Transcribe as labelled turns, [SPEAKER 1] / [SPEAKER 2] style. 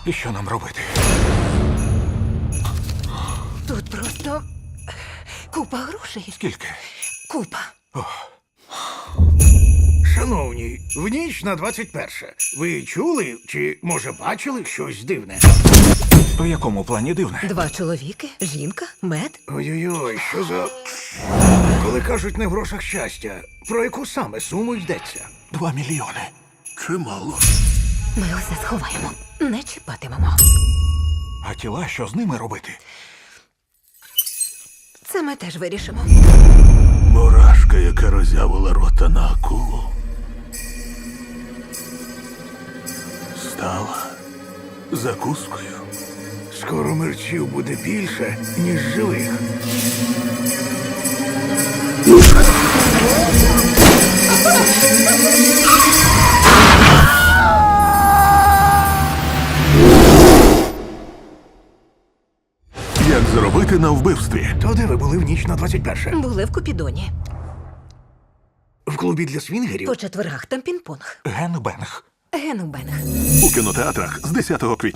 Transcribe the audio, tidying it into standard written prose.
[SPEAKER 1] І що нам робити?
[SPEAKER 2] Тут просто купа грошей.
[SPEAKER 1] Скільки?
[SPEAKER 2] Купа.
[SPEAKER 3] Шановні, в ніч на 21. Ви чули чи, може, бачили щось дивне?
[SPEAKER 1] У якому плані дивне?
[SPEAKER 2] 2 чоловіки, жінка, мед.
[SPEAKER 3] Ой-ой-ой, що за... Коли кажуть не в грошах щастя, про яку саме суму йдеться?
[SPEAKER 1] 2 мільйони.
[SPEAKER 3] Чимало.
[SPEAKER 2] Ми усе сховаємо. Не чіпатимемо.
[SPEAKER 1] А тіла, що з ними робити?
[SPEAKER 2] Це ми теж вирішимо.
[SPEAKER 4] Мурашка, яка роззявила рота на акулу, стала закускою.
[SPEAKER 3] Скоро мерчів буде більше, ніж живих.
[SPEAKER 4] Як заробити на вбивстві?
[SPEAKER 3] То де ви були в ніч на 21?
[SPEAKER 2] Були в Купідоні.
[SPEAKER 3] В клубі для свінгерів?
[SPEAKER 2] По четвергах там пінг-понг.
[SPEAKER 1] Генбенг.
[SPEAKER 2] Генубенг.
[SPEAKER 4] У кінотеатрах з 10 квітня.